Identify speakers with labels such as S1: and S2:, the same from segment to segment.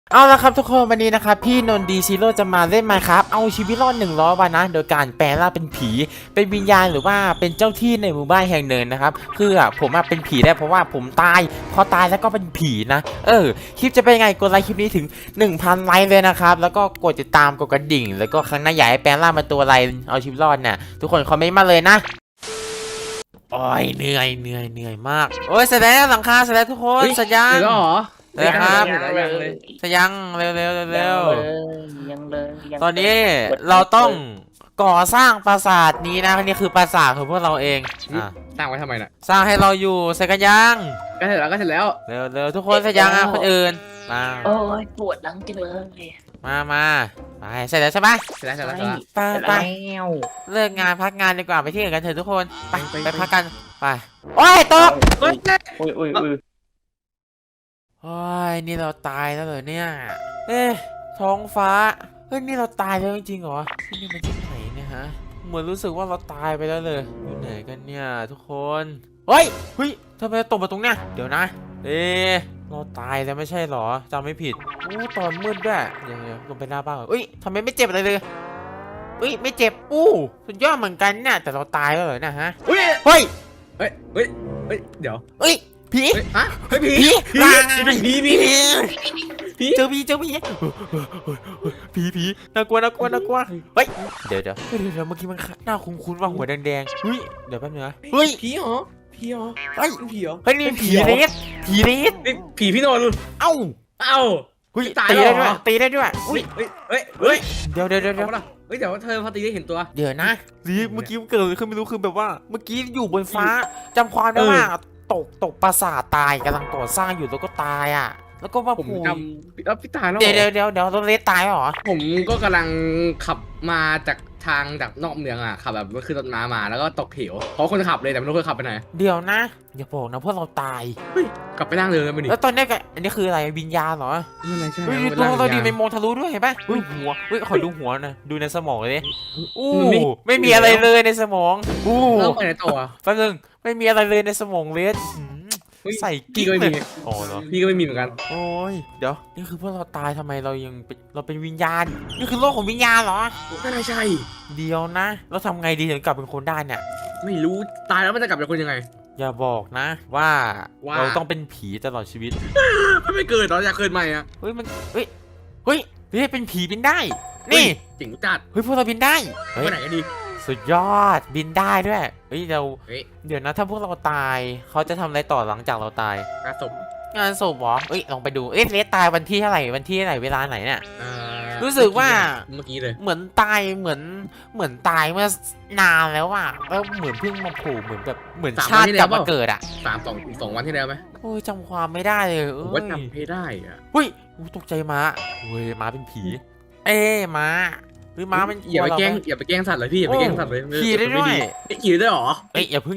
S1: เอาละครับทุกคนวันนี้นะครับพี่นนท์ดีซีโร่จะมาเล่นMinecraftเอาชีวิตรอด100 วันนะโดยการแปลร่างเป็นผีเป็นวิญญาณหรือว่าเป็นเจ้าที่ในหมู่บ้านแห่งหนึ่งนะครับคือผมเป็นผีได้เพราะว่าผมตายพอตายแล้วก็เป็นผีนะคลิปจะเป็นยังไงกดไลค์คลิปนี้ถึง 1,000 ไลค์เลยนะครับแล้วก็กดติดตามกดกระดิ่งแล้วก็ครั้งหน้าอยากให้แปลร่างเป็นตัวอะไรเอาชีวิตรอดเนี่ยทุกคนคอมเมนต์มาเลยนะโอ้ยเหนื่อยมากโอ้ยเสร็จแล้วหลังคาเสร็จแล้วทุกคนเสร็จยัง
S2: เดี๋ยวเหรอ
S1: เลยครับ
S2: ยังเลย
S1: จะยังเร็ว
S3: ยังเลย
S1: ตอนนี้เราต้องก่อสร้างปราสาทนี้นะนี่คือปราสาทของพวกเราเอง
S2: สร้างไว้ทำไมน่ะ
S1: สร้างให้เราอยู่เสร็จกันยัง
S2: ก็เสร็จแล้ว
S1: เร็วทุกคนเสร็จยังคนอื่นมา
S3: โอ้ยปวดหลังจังเลย
S1: มาไปเสร็จแล้วใช่ไหม
S2: เสร็จแล้ว
S1: ไป
S3: แล้ว
S1: เลิกงานพักงานดีกว่าไปที่อื่นกันเถอะทุกคนไปพักกันไปโอ้ยตก
S2: เฮ้ย
S3: อุ้ย
S1: โอ้ยนี่เราตายแล้วเหรอเนี่ยท้องฟ้านี่เราตายแล้วจริงๆเหรอที่นี่มันที่ไหนเนี่ยฮะเหมือนรู้สึกว่าเราตายไปแล้วเลยอยู่ไหนกันเนี่ยทุกคนเฮ้ยทำไมตกมาตรงเนี้ยเดี๋ยวนะเราตายแล้วไม่ใช่เหรอจำไม่ผิดตอนมืดด้วยเดี๋ยวลงไปหน้าบ้านก่อนทำไมไม่เจ็บอะไรเลยไม่เจ็บสุดยอดเหมือนกันเนี่ยแต่เราตายแล้วเหรอเนี่ยฮะเฮ้ย
S2: เดี๋ยว
S1: ผี
S2: ฮะเฮ้ยผี
S1: เจอผีผีน่ากลัวเฮ้ยเดี๋ยวเมื่อกี้มันหน้าคุ้นๆว่าหัวแดงเดี๋ยวแป๊บนึงนะ
S2: ผีเหรอผีเหรอ
S1: นี่ผีเรส
S2: ผีพี่นนท์
S1: เอ้าตีได้ด้วยเดี๋ยว
S2: เดี๋ยวเธอพอตีได้เห็นตัว
S1: เดี๋ยวนะเมื่อกี้เกิดอะไรขึ้นไม่รู้คือแบบว่าเมื่อกี้อยู่บนฟ้าจำความได้ว่าตกปราสาทตายกำลังก่อสร้างอยู่แล้วก็ตายแล้วก็มา
S2: ผมจำแล้วพี่ตายแล้ว
S1: เดี๋ยวรถเลสตายเหรอ
S2: ผมก็กำลังขับมาจากทางจากนอกเมืองขับแบบขึ้นรถม้ามาแล้วก็ตกเหวเพราะคนขับเลยแต่ไม่รู้คนขับไปไหน
S1: เดี๋ยวนะอย่าบอกนะพวกเราตาย
S2: กลับไปร่างเดิมกันดิ
S1: แล้วตอนนี้อันนี้คืออะไรวิญญาณเหรอตัวเราดีเป็นมองทะลุด้วยเห็นปะหัวขอดูหัวนะดูในสมองเลยไม่มีอะไรเลยในสมอง
S2: แล้วไปไหนต่อ
S1: แป๊บนึงไม่มีอะไรเลยในสมองเลสใส่
S2: กิ๊กเลยพี่ก็ไม่มีเหมือนกัน
S1: โอ้ยเดี๋ยวนี่คือพวกเราตายทำไมเรายังเราเป็นวิญญาณนี่คือโลกของวิญญาณเหรอ
S2: ไม่ใช่
S1: เดี๋ยวนะเราทำไงดีถึงกลับเป็นคนได้เนี่ย
S2: ไม่รู้ตายแล้วมันจะกลับเป็นคนยังไง
S1: อย่าบอกนะว่าเราต้องเป็นผีตลอดชีวิต
S2: ไม่เกิดหรออยากเกิดใหม่
S1: เป็นผีบินได้นี่
S2: จริงจัด
S1: พวกเราบินได้
S2: ไปไหนกันดี
S1: สุดยอดบินได้ด้วยเดี๋ยวนะถ้าพวกเราตายเขาจะทำอะไรต่อหลังจากเราตายงานศพเหรอลองไปดูเลสตายวันที่เท่าไหร่เวลาไหนเนี่ยรู้สึกว่า
S2: เมื่อกี้เลย
S1: เหมือนตายเหมือนตายเมื่อนานแล้วแล้วเหมือนเพิ่งมาโผล่เหมือนชาติกลับมาเกิด
S2: สองวันที่แล้วไหม
S1: โอ้ยจำความไม่ได้เลย
S2: ว่าจำไม่ได้
S1: ตกใจม้าม้าเป็นผีม้าม้ามัน
S2: อย่าไปแกล้งสัตว์เลยพี่อย่าไปแกล้งสัตว์เลย
S1: ขี่ได้ด้วย
S2: ขี่ได้หรอ
S1: อย่าพึ่ง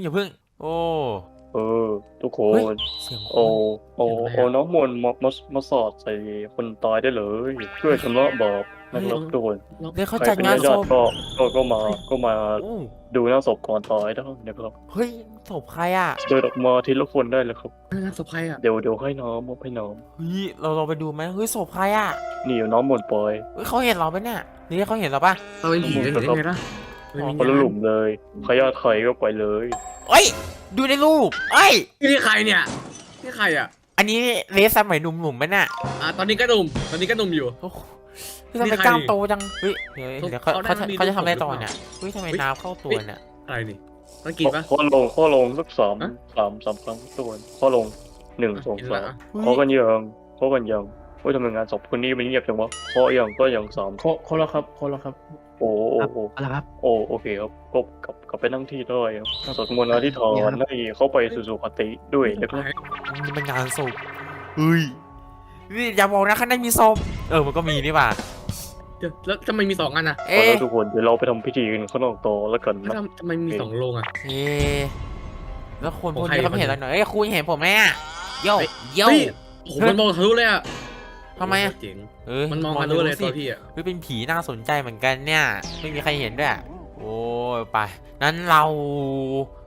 S4: ทุกคนน้องมนมาสอดใส่คนตายได้เลยเพื่อชำระบาปนะครับทุกคน
S1: เดี๋ยวเขาจัดงานศพ
S4: ก็มาดูหน้าศพก่อนตายได้นะครับ
S1: ศพใคร
S4: เดินออกมาทีละคนได้เลยครับ
S2: ศพใคร
S4: เดี๋ยวให้น้อง
S1: เราไปดูไหมศพใคร
S4: นี่น้องมนปอย
S1: เขาเห็นเราไหมเนี่ยนี่เขาเห็นเราปะ
S2: เราเป็นผีได้ไงล่ะ
S4: คนละหลุมเลยใครอยากใครก็ไปเลย
S1: ดูในรูป
S2: นี่ใครเนี่ยนี่ใคร
S1: อันนี้เลสสมัยหนุ่มๆไหมเนี่ย
S2: ตอนนี้ก็หนุ่มอยู่
S1: ทำไมกล้ามโตจังเดี๋ยวเขาจะทำอะไรต่อเนี่ยทำไมน้ำเข้าตัวเนี่ย
S2: อะไรนี่ต้องกินปะ
S4: ข้อลงสักสามครั้งตัวข้อลง1 2 3ข้อกันยังทำไมงานศพคนนี้มันเงียบจังวะข้อยังก็ยัง
S2: ข้อแล้วครับ
S4: โอ้โอเคครับก็กลับไปนั่งที่ได้ครับสวดมนต์อธิษฐานให้เข้าไปสู่สุคติด้วยนะครับ
S1: นี่เป็นงานศพนี่อย่าบอกนะข้างในมีศพมันก็มีนี่ป่ะ
S2: แล้วทำไมมี2 อัน
S4: ทุกคนเดี๋ยวเราไปทำพิธีกันข้างนอกต่อแล้วกันนะ
S2: ทำไมมี2 โรง
S1: แล้วคนพวกนี้เขาไม่เห็นเราหน่อยคุณเห็นผมไหมโย่
S2: มันมองทะลุเลย
S1: ทำไม
S2: เจ๋งมันมองทะลุเลยตัวพี่
S1: เป็นผีน่าสนใจเหมือนกันเนี่ยไม่มีใครเห็นด้วยโอ้ไปนั้นเรา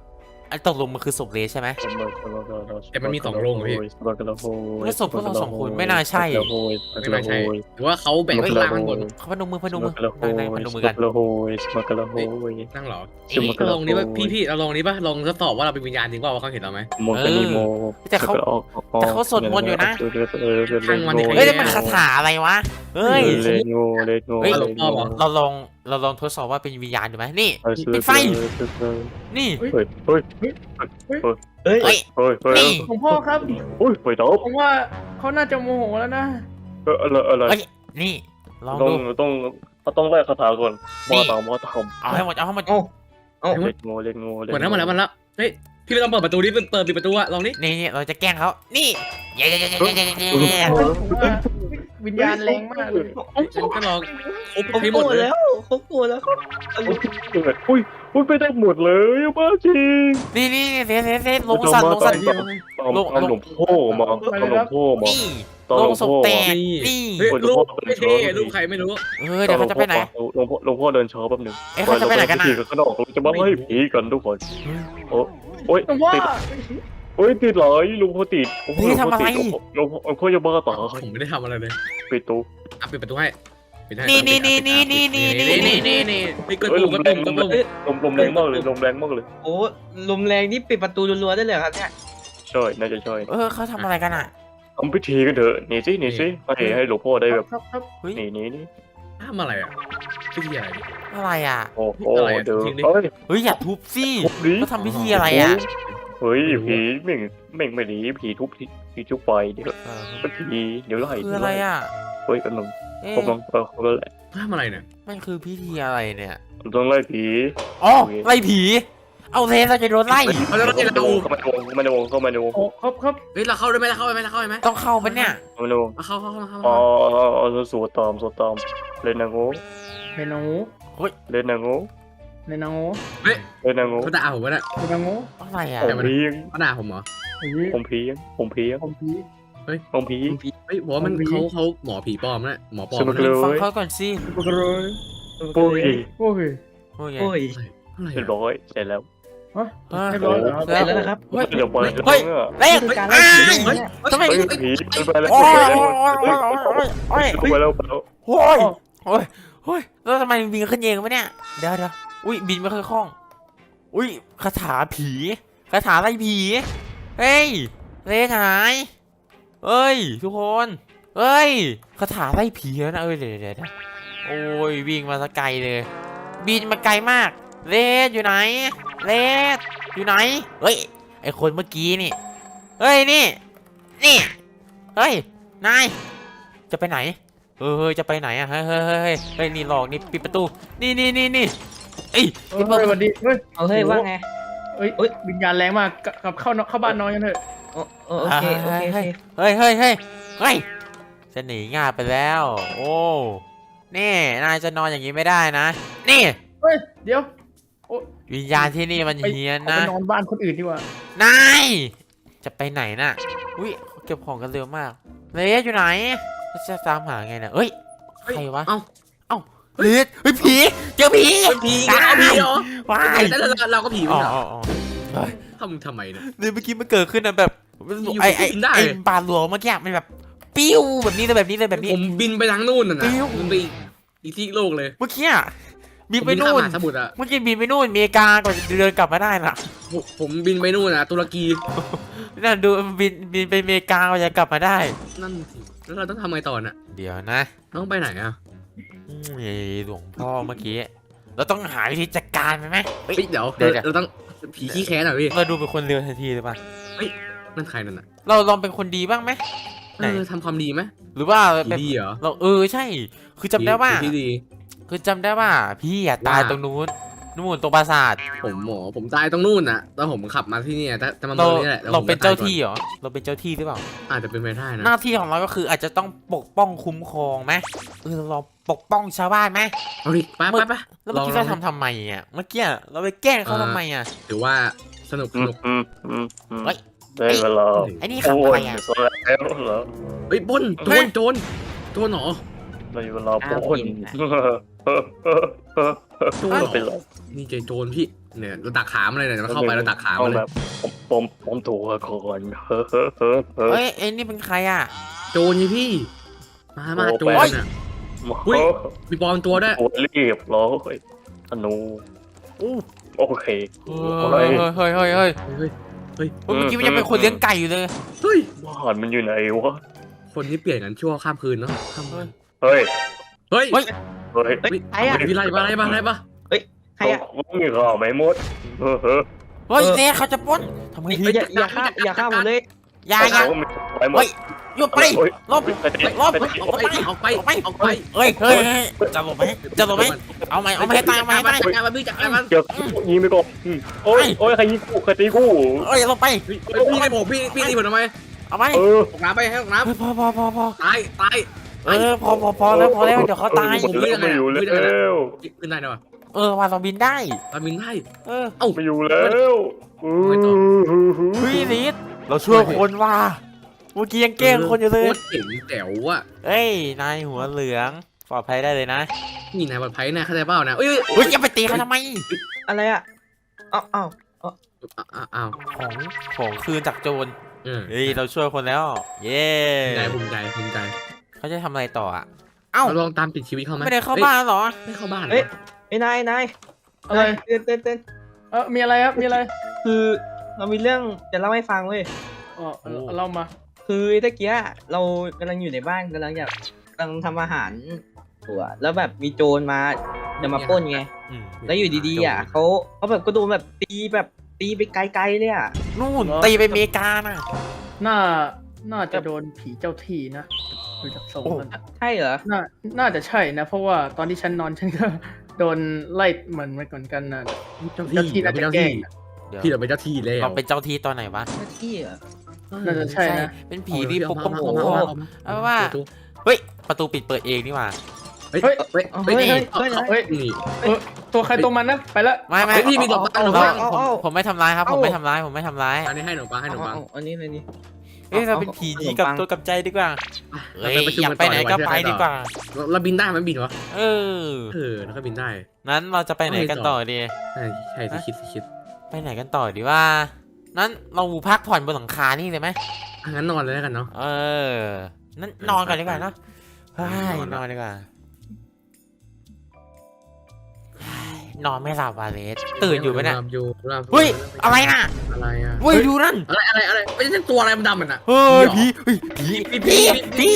S1: ไอ้ตกลงมันคือศพเลสใช่ไหม
S2: แต่มันมี2โรงพี่
S1: แล้วศพพวกเรา2 คนไม่น่าใช่
S2: ไม่น่าใช่หรือว่าเขาแบ่งเป็นล่างข้างบน
S1: เขาพนมมือนั่งพนมมือกัน
S2: นั่งเหรอเราลองนี้ป่ะพี่เราลองนี้ป่ะลองทดสอบว่าเราเป็นวิญญาณจริงเปล่าว่าเขาเห็นเราไหม
S1: แต่เขาสวดมนต์อยู่นะ
S2: ทางวันที่
S1: เฮ้ยมันคาถาอะไรวะเฮ้ย
S4: เลโง่เลโง่
S1: เราลองทดสอบว่าเป็นวิญญาณดูไหมนี่ปิดไฟนี่
S4: เฮ้ยเฮ้ย
S3: เฮ้ย
S1: เฮ้ย
S4: เฮ้ยเฮ้ย
S1: นี่
S5: หลวงพ่อครับ
S4: โอ้ยไปดอบ
S5: ผมว่าเขาน่าจะโมโหแล้วนะ
S4: อะไร
S1: เฮ้ยนี่ลอง
S4: ต้อ
S1: ดู
S4: งต้องไล่คาถาก่อนมาตาม
S1: เอาให้หมดเอาให้หมด
S4: เลโง่เลโง่
S2: หมดแล้วเฮ้ยพี่ไม่ต้องเปิดประตูดิเปิดปิดประตูอะลองนี่
S1: นี่เราจะแกล้งเขานี่เย้
S5: ผมว่าวิญญาณแรงมากเลย
S2: ฉันก็ลองครบ
S3: เขา
S2: ให้ห
S3: โก
S2: ม
S3: ร
S2: ด
S3: ธ
S2: เลย
S3: แล้วเขาโกรธแล้วเขา
S4: อุ้ยไปได้หมดเลยบ้าจริง
S1: นี่เซลงสั่น
S4: ตามหลวงพ่อมาตามหลวงพ่อมา
S1: นี่
S4: ตาม
S1: ล
S4: หล
S1: ง
S4: วง
S1: ศพ
S4: พ่อ
S1: แตกนี่
S2: เฮ้ยลูกไม่เท่ลูกใครไม่รู้
S1: เดี๋ยวเขาจะไปไหน
S4: หลวงพ่อเดินช้าแป๊บนึง
S1: เขาจะไปไหนกันนะ
S4: ข้างนอกเราจะมาให้ผีกันทุกคนโอ้ย
S5: หลวงพ่อ
S4: ติดโอ้ยติดเลยลุงพ่อติดหลวงพ่อจะบ้าตา
S2: ผมไม่ได้ทำอะไรเลย
S4: ปิดตู้
S2: ปิดประตูให้ปิดให้
S1: นี่
S2: นี่เกิดปุ่ม
S4: ลมแรงมากเลยลมแรงมากเลย
S3: โอ้ลมแรงนี่ปิดประตูรัวๆได้เลยครับเนี่ย
S4: ใช่น่าจะใช่
S1: เขาทำอะไรกันอ่ะ
S4: ทำพิธีกันเถอะนี่สิให้หลวงพ่อได้แบบ
S5: ครับ
S4: นี่
S2: ทำอะไรอ่ะพิธีอะไร
S1: อะไรอ่ะ
S4: โอ้เดี๋ยวเฮ้ย
S1: อย่าทุบสิ
S4: ทุบดิ
S1: เขาทำพิธีอะไรอ่ะ
S4: เฮ้ยผีแม่งไม่ดีผีทุบผีทุบไปเดี๋ยวก็ผีเดี๋ยวไล่
S1: คืออะไรอ่ะ
S4: เฮ้ยกำลังก็แหละ
S2: ทำอะไรเนี่ย
S1: มันคือพิธีอะไรเนี่ย
S4: ต้องไล่ผี
S1: อ๋อไล่ผีเอาเทเราจะโดนไล่
S2: เขาจะไล่เรา
S4: เข้ามาในวง
S5: โอ้ครับ
S2: เฮ้ยเราเข้าได้ไหมเราเข้าไหม
S1: ต้องเข้าปะเนี่ย
S4: เข้ามาในวง
S2: เข้า
S4: อ๋อสวดตามเล่นนางโง่
S5: ในนางงู
S4: เล่นนางโง่
S5: ในนางงู
S4: เล่นนางโง่
S2: เขาด่าผมวะเนี่ย
S5: ในนางงู
S1: อะไรอ่ะ
S4: ผมเพียง
S2: เขาด่าผมเหรอ
S5: เฮ้ย
S4: ผมเพียง
S5: ผมผี
S4: ผมผี
S2: เฮ้ยบอกว่ามันเขาหมอผีปลอมนะหมอปลอม
S1: ฟังเขาก่อนสิ
S5: ปกรอย
S4: ปุ้ย
S5: โอ้ย
S1: โอเค
S3: โอ้ย
S2: อะไร
S4: เรียบร้อยเสร็จแล้ว
S5: ฮะเรียบร้อยแล้วครับ
S3: เสร็จแล้วนะครับ
S4: เดี๋ยวไป
S1: เฮ้ยเล็ก
S5: คือการไล่ผีเนี่ย
S1: ทำไม
S4: ผีไปแล้ว
S1: โอ้ย
S4: ไปแล้ว
S1: โอ้ยโอ้ยแล้วทำไมบินขึ้นเองวะเนี่ยเดี๋ยวอุ้ยบินไม่ค่อยคล่องอุ้ยคาถาผีคาถาไล่ผีเฮ้ยเล็กหายเอ้ยทุกคนเอ้ยคาถาไล่ผีแล้วนะเดี๋ยวโอ้ยวิ่งมาสักไกลเลยบินมาไกลมากเลสอยู่ไหนเลสอยู่ไหนเฮ้ยไอคนเมื่อกี้นี่เฮ้ยนี่เฮ้ยนายจะไปไหนจะไปไหนอ่ะเฮ้ยนี่หลอกนี่ปิดประตูนี่เอ้ย
S5: เฮ้ยสวัสดีเฮ้ย
S3: เอาเฮ้ยว่าไง
S5: เฮ้ยวิญญาณแรงมากกลับเข้าบ้านนอนกันเถอะ
S3: โอเค
S1: เฮ้ยจะหนีง่ายไปแล้วโอ้นี่นายจะนอนอย่างนี้ไม่ได้นะนี่
S5: เฮ้ยเดี๋ยว
S1: วิญญาณที่นี่มันเฮี้ยน
S5: เอา
S1: นะ
S5: ไปนอนบ้านคนอื่นดีกว่าน
S1: ายจะไปไหนน่ะอุ้ยเขาเก็บของกันเร็วมากเลสอยู่ไหนจะตามหาไงเนี่ยเฮ้ยใครวะ
S2: เอ้า
S1: เลสเฮ้ยผีเจอผี
S2: ผีเอาผีเหรอ
S1: ว้าย
S2: แต่เราก็ผี
S1: อ๋
S2: ไม่
S1: อ
S2: เหรอ
S1: ๆ
S2: ทำไมเนี่ย
S1: เนี่ยเมื่อกี้มันเกิดขึ้นนะแบบ
S2: อยู่
S1: ไอ้
S2: ก็กินได้
S1: บาดหลวงเมื่อกี้มันแบบปิ้วแบบนี้เลยแบบนี้
S2: ผมบินไปทางนู่นน่ะนะ
S1: ปิ้ว
S2: บินไปอีกที่โลกเลย
S1: เมื่อกี้อะบินไปนู่น
S2: ผมบิข้ามมหาสมุทรอ่ะ
S1: เมื่อกี้บินไปนู่นอเมริกาก่อนจะเดินกลับมาได้น่ะ
S2: ผมบินไปนู่นน่ะตุรกี
S1: นั่นดูบินไปอเมริกาก่อนจะกลับมาได้
S2: นั่นสิแล้วเราต้องทำไงต่อน่ะ
S1: เดี๋ยวนะ
S2: ต้องไปไหนอ่ะ
S1: หลวงพ่อเมื่อกี้เราต้องหาวิธีจัดการมันไหมเฮ้ย
S2: เฮ้ยเดี๋ยว
S1: เดี๋ยว
S2: เราต้องผีขี้แค้นหน่อยพี่
S1: เราดูเป็นคนเร็วทันทีเลยป่ะ
S2: นั่นใครนั่นน่ะ
S1: เราลองเป็นคนดีบ้างไหม ไหน
S2: ทำความดีไหม
S1: หรือว่า
S2: ผี
S1: เป็น
S2: ดีเหรอ
S1: เราใช่ คือจำได้ว่า
S2: ผีที่ดี
S1: คือจำได้ว่าพี่อะตายตรงนู้นตรงปราสาท
S2: ผมตายตรงนู่นน่ะตอนผมขับมาที่นี่แต่มัน
S1: เรา
S2: ตรงนี้แหละแล้ว
S1: เรา
S2: ผม
S1: เป็น
S2: ก็ตย
S1: เจ้า
S2: ก่อน
S1: ที่เหรอเราเป็นเจ้าที่หรือเปล่า
S2: อาจจะเป็นไปได้นะ
S1: หน้าที่ของเราก็คืออาจจะต้องปกป้องคุ้มครองไหมเราปกป้องชาวบ้านไหม
S2: เอาดิไป
S1: แล้วเมื่อกี้เราทำไมอ่ะเมื่อกี้เราไปแกล้งเขาทำไมอ่ะ
S2: ถือว่าสนุก
S4: ได้เวลา
S1: ไอ้นี่ขับอะไรอ่ะ
S4: แล้วเหรอ
S2: เฮ้ยปล้นโจรเหรอ
S4: เราอยู่รอปล้นไม่เป็นไร
S2: นี่เจโจรพี่เนี่ยเราตักขามันเลยเนี่ยมันเข้าไปเราตักขามันเลย
S4: แบบผมถูกก่อน
S1: เฮ้ยไอ้นี่เป็นใครอ่ะ
S2: โจรนี่พี่มาโจรน่ะ อุ๊ย มีปลอมตัวด้วย
S4: โอ้รีบร้อยธนู
S1: อู้
S4: โอเค
S1: เฮ้ยเฮ้ยเฮ้ยเฮ้ย
S2: เฮ้ย
S1: เมื่อกี้มันยังเป็นคนเลี้ยงไก่อยู่เลย
S2: เฮ้ย
S4: บ้านมันอยู่ไหนวะ
S2: คนนี้เปลี่ยนกันชั่วข้ามคืนเนาะข้ามคืน
S4: เฮ้ย
S2: เฮ้ย
S1: เฮ้ย
S4: เฮ้ย
S3: เฮ้ยใครอ่ะ
S2: มีอะไรบ้างอะไรบ้าง
S3: ใครอ่ะ
S4: มีข่าวไหมมด
S1: เฮ้ยเจ๊เขาจะปล้นทำไงดี
S3: อย่าฆ่าผมเลย
S1: อย่า
S4: ไปหมด
S1: หยุดไปลบลบ
S2: ออกไป
S1: เฮ้ยจะหลบไหมเอาไหมให้ตายเอาไหมให้ตาย
S2: จัดการมันพี่จัดการมัน
S4: เดี๋ยวยิงไปก่อนโอ้ยใครยิงกูใครตีกู
S1: เฮ้ยลงไป
S2: พี่ให้ผมพี่ตีผมทำไม
S1: เอาไหม
S4: เออ
S2: ออกน้ำไปให้ออกน้
S1: พอ
S2: ำตาย
S1: พอแล้วเดี๋ยวเขาตาย
S4: ไม่อยู่แล้ว
S2: ขึ้นได้ไหมวะ
S1: ว่าเราบินได้
S2: เราบินได้
S4: ไม่อยู่แล้ว
S1: เฮ้ยลิศเราช่วยคนว่าเมื่อกี้ยังแกล้งคนอยู่เลย
S2: โคตรเจ๋งแจ๋วอ่ะ
S1: เอ้ยนายหัวเหลืองปลอดภัยได้เลยนะ
S2: นี่นายปลอดภัยนะเข้าใจเปล่านะเอ้ย
S1: เฮ้ยจะไปตีเขาทำไม
S3: อะไรอ่ะอ้าว
S2: อ้าว
S1: ของคืนจากโจรเฮ้ยเราช่วยคนแล้ว เย้
S2: ภูมิใจ
S1: เขาจะทำอะไรต่ออ่ะเอ้า
S2: เราลองตามติดชีวิตเขาไหม
S1: ไม่ได้เข้าบ้านเหรอ
S2: ไม่เข้าบ้าน
S3: เฮ้ยไอ้นาย
S5: อะไร
S3: เต้น
S5: มีอะไรครับมีอะไร
S3: คือเรามีเรื่องจะเล่าให้ฟังเว้ย
S5: อ๋อเล่ามา
S3: คือตะเกียเรากำลังอยู่ในบ้านกำลังทำอาหารตัวแล้วแบบมีโจรมาจะมาปล้นไงแล้วอยู่ดีๆอ่ะเขาแบบก็โดนแบบตีไปไกลๆเลยอ่ะ
S1: นู่นตีไปอเมริกาน่ะ
S5: น่าจะโดนผีเจ้าที่นะดูจากทรงมัน
S3: ใช่เหรอ
S5: น่าจะใช่นะ เพราะว่าตอนที่ฉันนอนฉันก็โดนไล่เหมือนกันนะ
S2: เจ้าที่เราเป็นเจ้าที่พี่เราเป็นเจ้าที่แล้ว
S1: เราเป็นเจ้าที่ตอนไหนวะ
S3: หน้าที่เหรอ
S5: น่าจะใช่นะ
S1: เป็นผีที่ปกป้อง
S2: เอา
S1: ว่าเฮ้ยประตูปิดเปิดเองนี่หว่า
S2: เฮ้ยนี่
S5: ตัวใครตัวมันนะไปละ
S1: ไม่
S2: พี่มีดอกไม้หรอ
S1: ผมไม่ทำร้ายครับผมไม่ทำร้าย
S2: อันนี้ให้หนูปัง
S3: อันนี้เลยนี่
S1: เอ้ยเราเป็นผีดีกับตัวกับใจดีกว่าเฮ้ยอยากไปไหนก็ไปดีกว่า
S2: เราบินได้มันบินวะ
S1: เออ
S2: แล้วก็บินได้
S1: นั้นเราจะไปไหนกันต่อดี
S2: ใช่สิคิด
S1: ไปไหนกันต่อดีว่านั้นเราพักผ่อนบนหลังคานี่เลยไหม
S2: งั้นนอนเลยแล้วกันเนาะ
S1: นั้นนอนกันดีกว่าเนาะนอนดีกว่านอนไม่หลับวาเลสตื่นอยู่ไหมเนี่ยเฮ้ยอะไรน่ะ
S2: อะไรอ่ะ
S1: เฮ้ยดูนั่น
S2: อะไรไม่ใช่ตัวอะไรมันดำมันอ่ะ
S1: เฮ้ยผีไปแล้ว
S2: นี่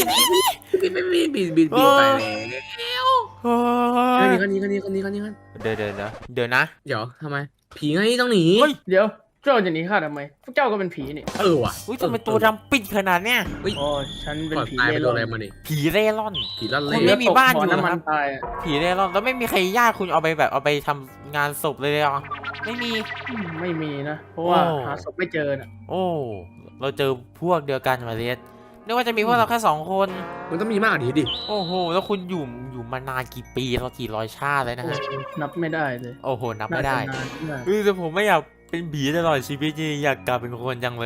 S1: เดี๋ยวนะ
S2: เดี๋ยวทำไมผีไงต้องหนี
S5: เดี๋ยวเจ้าจะหนีข้าทำไมพวกเจ้าก็เป็นผีนี่
S2: ว่ะ
S1: อุ้ยทำไมตัวดำปิดขนาดเนี้ย
S5: อ๋อฉันเป็นผี
S2: ตายไป
S5: เล่
S2: โดน
S5: ร่
S2: อะไร
S5: อน
S2: มาดิ
S1: ผีเร่ร่อน
S2: ผีลั่น
S1: ค
S2: เล่
S1: นไม่มีบ้านอยู่
S5: น้ำมัน
S1: ครับ
S5: ตาย
S1: ผีเร่ร่อนแล้วไม่มีใครญาติคุณเอาไปทำงานศพเลยเหรอไม่มี
S5: ไม่มีนะ เพราะว่า
S1: โอ้
S5: หาศพไม่เจอน่ะ
S1: โอ้เราเจอพวกเดียวกันมาเลสนึกว่าจะมีพวกเราแค่2 คน
S2: มันต้องมีมากกว่านี้ดิ
S1: โอ้โหแล้วคุณอยู่มานานกี่ปีเรากี่ร้อยชาติเลยนะฮะ
S5: นับไม่ได้เลย
S1: โอ้โหนับไม่ได้
S5: น่าจะนานมาก
S1: แต่ผมไม่อยากเป็นผีตลอดชีวิตจริงอยากกลับเป็นคนจังเลย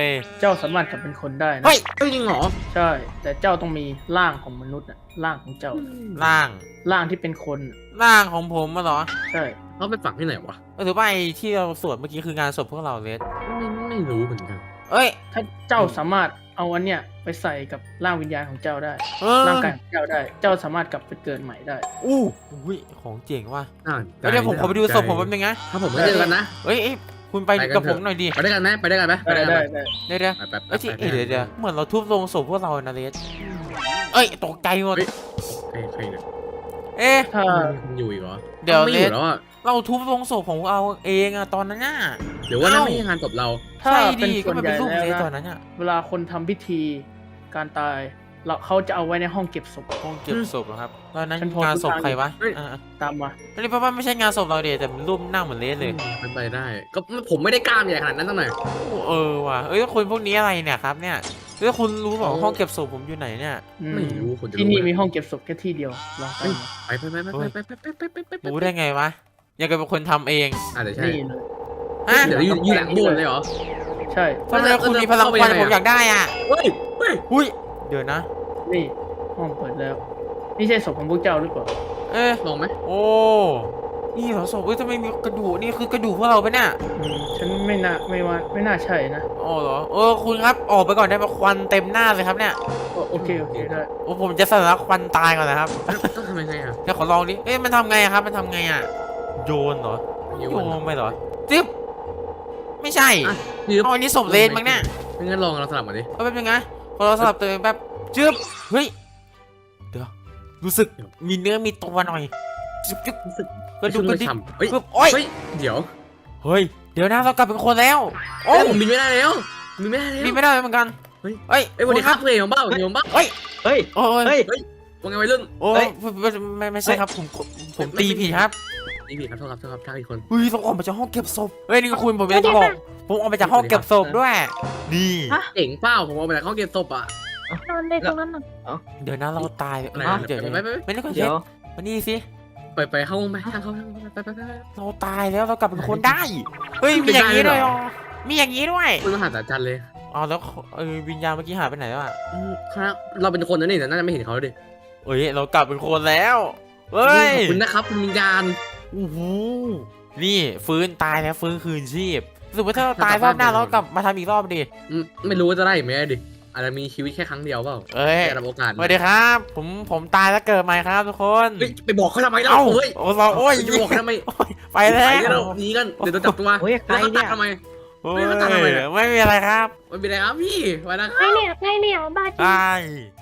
S5: เจ้าสามารถกลับเป็นคนได้นะ
S1: เฮ้ย
S2: จริงเหรอ
S5: ใช่ แต่เจ้าต้องมีร่างของมนุษย์น่ะร่างของเจ้า
S1: ร่าง
S5: ร่างที่เป็นคนน่ะ
S1: ร่างของผมมาเหรอ
S5: ใช่
S2: เขาไปฝังที่ไหนวะ
S1: หรือว่าไอ้ที่เราสวดเมื่อกี้คืองานศพพวกเราเลส
S2: ไม่รู้เหมือนกัน
S1: เอ้ย
S5: ถ้าเจ้าสามารถเอาอันเนี้ยไปใส่กับร่างวิญญาณของเจ้าได้ ร่างกายของเจ้าได้ เจ้าสามารถกลับไปเกิดใหม่ได้
S1: อุ้ยของเจ๋งว่ะ
S2: เดี๋
S1: เดี๋ยวผมขอไปดูศพผมแป๊บนึงนะ
S2: ถ้าผมไม่เจอกันนะ
S1: เอ้ยคุณไปกับผมหน่อยดิ
S2: ไปด้วยกันไหมไปด้วยกันไหม
S5: ได้
S1: เดี๋ยว
S2: ไป
S1: เอ้ยเดี๋ยวเหมือนเราทุบโลงศพพวกเรานะเลสเอ้ยตกใจหมด
S2: ใครเนี่ย
S1: เอ๊ะ
S5: ถ้า
S2: อยู่อีกเหรอ
S1: เดี๋ยว
S2: ไม่
S1: เล
S2: อยู่
S1: ส
S2: แล้วอ่ะ
S1: เราทุบโลงศพของเราเองอะตอนนั้นน่ะ
S2: เดี๋ยวว่านั่นไม่ใช่งานศพเรา
S5: ถ้า
S1: ใช่
S5: เป็น
S1: ดิ
S5: ส่
S1: ก็
S5: วน
S1: มัน
S5: ให
S1: เป็
S5: ญ่
S1: นรูป
S5: แล้ว
S1: เลสตอน
S5: นะ
S1: นั้นอะ
S5: เวลาคนทำพิธีการตายเขาจะเอาไว้ในห้องเก็บศพ
S1: ห้องเก็บศพเหรอครับตอนนั้น
S5: ฉันพอ
S1: งานศพใครวะ
S5: ตามมา
S1: ไม่ได้เพราะว่าไม่ใช่งานศพเราเดียแต่รูปหน้าเหมือนเลสเลย
S2: เป็นไปได้ ก็ผมไม่ได้กล้ามใหญ่ขนาดนั้นตั้งหน่อย
S1: ว่ะเอ้ยคนพวกนี้อะไรเนี่ยครับเนี่ยแล้วคุณรู้เปล่าห้องเก็บศพผมอยู่ไหนเนี่ย
S2: ไม่รู้คนจะ
S5: ที่นี่มีห้องเก็บศพแค่ที่เดียวลองตามมา
S2: ไป
S1: รู้ได้ไงวะยังกับเป็นคนทำเอง
S2: อาจจะใช่
S5: นี่เลย
S1: ฮะ
S2: เดี๋ยวอยู่หลังโบสถ์เลยเหรอ
S5: ใช่
S1: ทำไมคุณมีพลังควันผมอยากได้อ่ะ
S2: เฮ้ย
S1: หุ้ยเดี๋ยวนะ
S5: นี่ห้องเปิดแล้วนี่ใช่ศพของพวกเจ้าหรือเปล่า
S1: เอ๊ะ
S2: ลองไหม
S1: โอ้นี่เหรอศพเอ้ยทำไมมีกระดูกนี่คือกระดูกพวกเราปะเนี่ย
S5: ฉันไม่น่าใช่นะ
S1: อ๋อเหรอคุณครับออกไปก่อนได้ไหมควันเต็มหน้าเลยครับเนี่ย
S5: โอเคได้
S1: โอ้ผมจะสลักควันตายก่อนนะครับ
S2: ต้องทำยังไงอ่ะ
S1: เดี๋ยวขอลองดิเอ๊ะมันทำไงอะครับมันทำไงอะโยนเหรอโยนลงไปเหรอจิ๊บไม่ใช่
S2: ยืม
S1: อ๋ออันนี้ศพเลนมั้งเนี่ย
S2: งั้นลองเราสลับมาดิ
S1: เอาแป๊บนึงนะพอเราสลับตัวเองแป๊บจึ๊บเฮ้ยเดี๋ยวรู้สึกมีเนื้อมีตัวหน่อยจึ๊บจึ๊บ
S2: รู้สึก
S1: กระดูกกระดิก
S2: เฮ้ย
S1: ปึ๊บโอ๊ย
S2: เฮ้ยเดี๋ยว
S1: เฮ้ยเดี๋ยวนะเรากลับเป็นคนแล้วโอ้
S2: เอ้ยผมบินไม่ได้แล้วบินไม่ได้แล้ว
S1: มีไม่ได้เหมือนกัน
S2: เฮ้ย
S1: เฮ้ย
S2: เอ้ยวันนี้ครับเพลงของเบ้าเดี๋ยวบ้า
S3: เฮ้ย
S1: โอ้ย
S3: เฮ้ย
S2: ว่าไงวัยรุ่น
S1: โอ้
S3: เฮ้
S1: ย
S3: ย
S1: ไม่ใช่ครับผมตีผิดครับ
S2: นี่ผิดครับโทษครับทางอีกคน
S1: เฮ้ยต้องออกมาจากห้องเก็บศพเฮ้ยนี่คุณผมอยากจะบอกผมออกมาจากห้องเก็บศพด้วยนี่
S2: เจ๋งเปล่าผมเอาไปจากห้องเก็บศพอ่ะ
S6: นอนในตรงนั้นน่ะ
S1: เดี๋ยวนะเราตาย
S2: อะไร
S1: เดี๋ยว
S2: ไป
S1: ไม่ได้คนเช็
S3: เดี๋
S1: ด
S3: ยว
S1: มานี่สิ
S2: ไปเข้าห้องไปทางเข้าไป
S1: เราตายแล้วเรากลับเป็นคนได้เฮ้ยมีอย่างนี้ด้วยอ๋อมีอย่างนี้ด้วย
S2: คุณมหาศาลจันเลย
S1: อ๋อแล้ววิญญาณเมื่อกี้หายไปไหนแล้วอ่ะ
S2: ครับเราเป็นคนนะนี่แต่น่าจะไม่เห็นเขาดิ
S1: เอ้ยเรากลับเป็นคนแล้วเฮ้ย
S2: ขอบคุณนะครับคุณวิญญาณ
S1: โอ้โหนี่ฟื้นตายแล้วฟื้นคืนชีพรู้สึกว่าถ้าเราตายรอบหน้าเรากลับมาทำอีกรอบดิ
S2: ไม่รู้ว่าจะได้ไหมดิอาจจะมีชีวิตแค่ครั้งเดียวเปล่า
S1: เอ้ย
S2: ได้รับโอกาส
S1: สวัสดีครับ ผมตายแล้วเกิดใหม่ครับทุกคน
S2: เฮ้ยไปบอกเขาทำไมเล่า
S1: เอ้า
S2: เฮ้ย
S1: โอ้เราโอ้ย
S2: ไปบอกเขาทำไม
S1: ไปแล้
S2: ไปกัน
S1: ว
S2: เราหนีกันเดี๋ยวโดนจับตัว
S3: เฮ้ยใคร
S2: แล้วเขาตั
S3: เนี่
S2: ด
S3: ย
S2: ทำไม
S1: โอ้ย
S2: ไม่มาตามทำไมเนี่ย
S1: ไม่มีอะไรครับ
S2: ไม่เป็นไรครับพี่ไปนะ
S6: ใครเนี่ยบ้าจริง
S1: ตาย